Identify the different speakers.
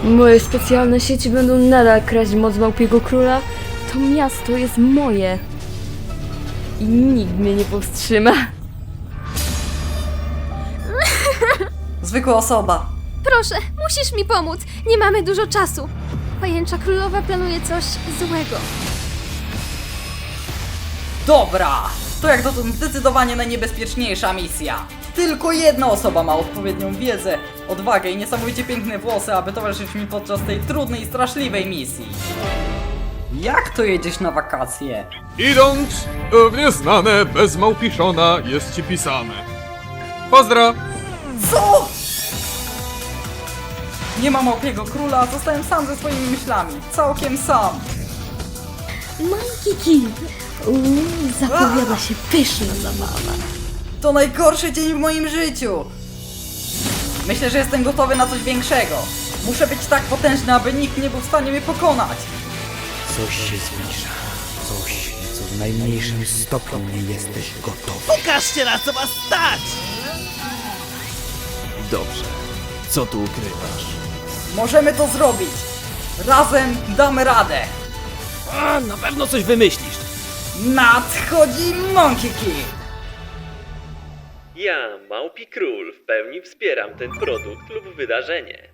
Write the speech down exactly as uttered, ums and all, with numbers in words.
Speaker 1: Moje specjalne sieci będą nadal kraść moc Małpiego Króla. To miasto jest moje. I nikt mnie nie powstrzyma.
Speaker 2: Zwykła osoba.
Speaker 3: Proszę, musisz mi pomóc. Nie mamy dużo czasu. Pajęcza królowa planuje coś złego.
Speaker 2: Dobra! To jak dotąd zdecydowanie najniebezpieczniejsza misja. Tylko jedna osoba ma odpowiednią wiedzę, odwagę i niesamowicie piękne włosy, aby towarzyszyć mi podczas tej trudnej i straszliwej misji. Jak to jedziesz na wakacje?
Speaker 4: Idąc w nieznane bez małpiszona jest ci pisane. Pozdro!
Speaker 2: Co?! Nie ma Małpiego Króla, zostałem sam ze swoimi myślami. Całkiem sam.
Speaker 1: Monkey King! Uuu, zapowiada się pyszna zabawa.
Speaker 2: To najgorszy dzień w moim życiu. Myślę, że jestem gotowy na coś większego. Muszę być tak potężny, aby nikt nie był w stanie mnie pokonać.
Speaker 5: Coś się zbliża. Coś, co w najmniejszym stopniu nie jesteś gotowy.
Speaker 6: Pokażcie, na co was stać! Dobrze. Co tu ukrywasz?
Speaker 2: Możemy to zrobić. Razem damy radę.
Speaker 6: A, na pewno coś wymyślisz.
Speaker 2: Nadchodzi Monkey King.
Speaker 7: Ja, Małpi Król, w pełni wspieram ten produkt lub wydarzenie.